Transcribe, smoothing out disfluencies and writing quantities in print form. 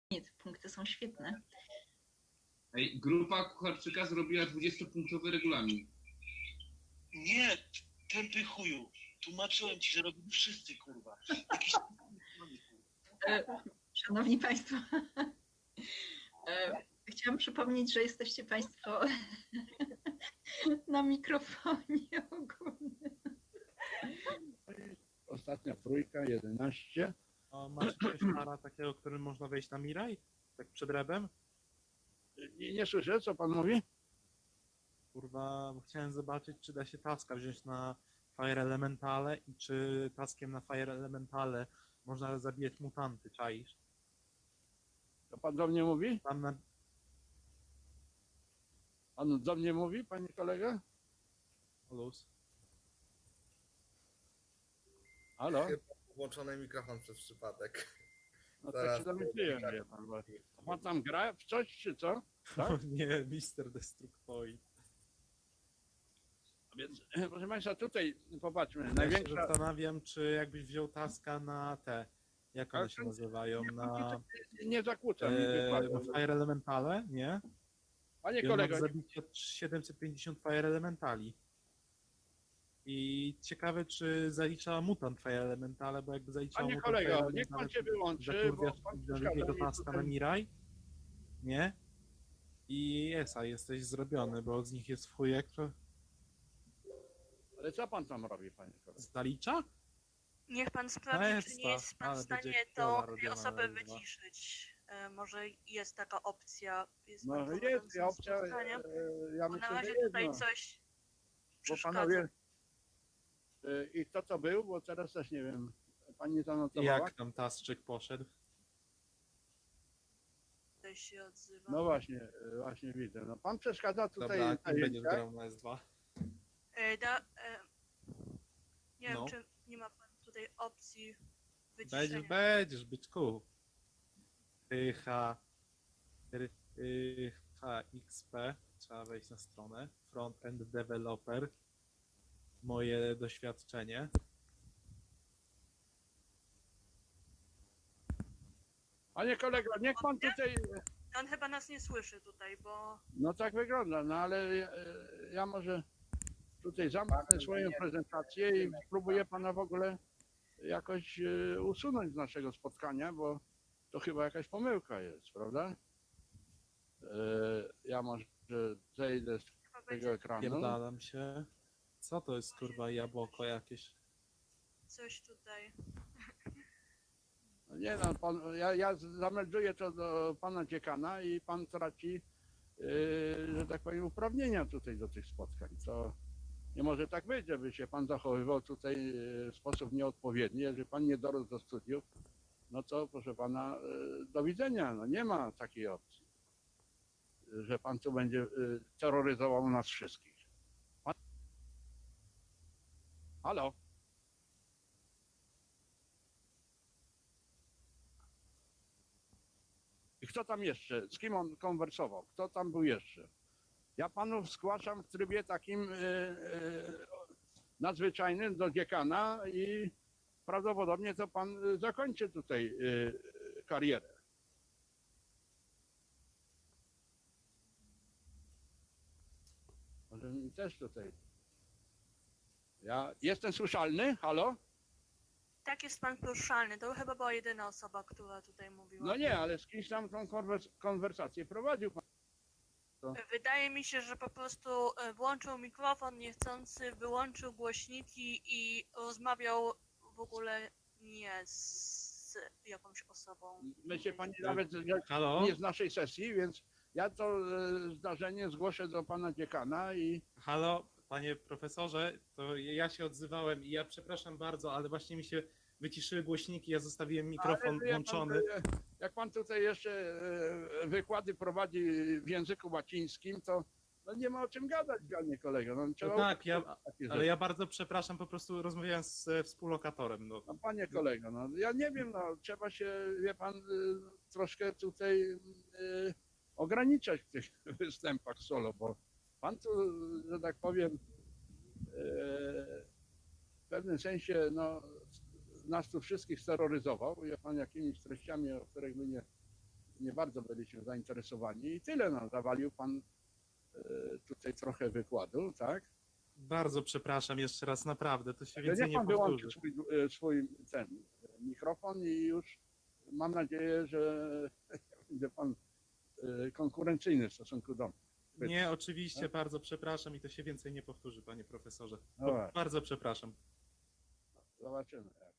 Nie, te punkty są świetne. Ej, grupa Kucharczyka zrobiła 20-punktowy regulamin. Nie, tępy chuju. Tłumaczyłem ci, że robili wszyscy, kurwa. Jakiś... Szanowni Państwo, chciałam przypomnieć, że jesteście Państwo na mikrofonie ogólnym. Ostatnia trójka, 11. A macie jakiegoś para takiego, którym można wejść na Miraj? Tak przed rebem? Nie słyszę, co pan mówi? Kurwa, bo chciałem zobaczyć, czy da się taska wziąć na Fire Elementale i czy taskiem na Fire Elementale można zabijać mutanty, czaisz? To pan do mnie mówi? Tam na... Pan do mnie mówi, panie kolega? Luz. Halo? Chyba włączony mikrofon przez przypadek. No Zaraz tak się domyśliłem, wie pan. Bo... Pan tam gra w coś, czy co? Tak? O nie, Mister Destructoid. A więc, proszę państwa, tutaj popatrzmy. Ja się Największa... zastanawiam, czy jakbyś wziął taska na te, jak one się nazywają, na Nie zakłócam. na Fire Elementale, nie? Panie I on kolego, ma zabicie 750 Fire Elementali. I ciekawe, czy zalicza mutant Fire Elementale, bo jakby zaliczał panie mutant kolego, Fire niech pan Elementale, się wyłączy, bo zakurwiasz pan drugiego przeszkadza mi taska na tutaj. Miraj, nie? I Esa, jesteś zrobiony, bo z nich jest w chujek, to Ale co pan tam robi, panie kolego? zalicza? Niech pan sprawdzi, czy nie jest pan Ale w stanie będzie tą kiola robiona osobę na dwa. wyciszyć. Może jest taka opcja. Jest No pan jest prowadzącym opcja, spotkanie? ja Bo na myślę, razie że tutaj jedno. coś Bo przeszkadza. panowie... I kto to był? Bo teraz też nie wiem. Pani zanotowała? Jak tam Tasczyk poszedł? Tutaj się odzywa. No właśnie, właśnie widzę. No, pan przeszkadza tutaj Dobra, kim będziesz zajęciach. grał na S2? Nie No. wiem, czy nie ma pan tutaj opcji wyciszenia. Będziesz, byczku. HXP, trzeba wejść na stronę. Front-end developer. Moje doświadczenie. Panie kolego, niech pan tutaj... On chyba nas nie słyszy tutaj, bo No tak wygląda, no ale ja może tutaj zamknę swoją prezentację i spróbuję pana w ogóle jakoś usunąć z naszego spotkania, bo to chyba jakaś pomyłka jest, prawda? Ja może zejdę z chyba tego będzie ekranu. Pierdalam się. Co to jest kurwa jabłko jakieś? coś tutaj. No nie no, pan, ja zamelduję to do pana dziekana i pan traci, że tak powiem, uprawnienia tutaj do tych spotkań, co nie może tak być, żeby się pan zachowywał tutaj w sposób nieodpowiedni. Jeżeli pan nie dorósł do studiów, no to proszę pana, do widzenia, no nie ma takiej opcji, że pan tu będzie terroryzował nas wszystkich. Pan... Halo? I kto tam jeszcze? Z kim on konwersował? Kto tam był jeszcze? Ja panów zgłaszam w trybie takim nadzwyczajnym do dziekana i prawdopodobnie to pan zakończy tutaj karierę. Może mi też tutaj. Ja jestem słyszalny? Halo? Tak, jest pan poruszalny. To chyba była jedyna osoba, która tutaj mówiła. No nie, ale z kimś tam tą konwersację prowadził pan. Wydaje mi się, że po prostu włączył mikrofon niechcący, wyłączył głośniki i rozmawiał w ogóle nie z jakąś osobą. Myślę pani nawet Halo? nie z naszej sesji, więc ja to zdarzenie zgłoszę do pana dziekana i Halo, panie profesorze, to ja się odzywałem i ja przepraszam bardzo, ale właśnie mi się wyciszyły głośniki, ja zostawiłem mikrofon Ale wie pan, włączony. jak pan tutaj jeszcze wykłady prowadzi w języku łacińskim, to no nie ma o czym gadać, panie kolego. No, trzeba tak, takie ale rzeczy. ja bardzo przepraszam, po prostu rozmawiałem z współlokatorem. No. No, panie kolego, no ja nie wiem, no trzeba się, wie pan, troszkę tutaj ograniczać w tych występach solo, bo pan tu, że tak powiem, w pewnym sensie, no, nas tu wszystkich steroryzował, wie pan, jakimiś treściami, o których my nie bardzo byliśmy zainteresowani i tyle, no, zawalił pan tutaj trochę wykładu, tak? Bardzo przepraszam jeszcze raz, naprawdę, to się Ale więcej niech nie pan wyłączy powtórzy. swój ten mikrofon i już mam nadzieję, że będzie pan konkurencyjny w stosunku do mnie. Nie, oczywiście, bardzo przepraszam i to się więcej nie powtórzy, panie profesorze. Dobra. Bardzo przepraszam. Zobaczymy.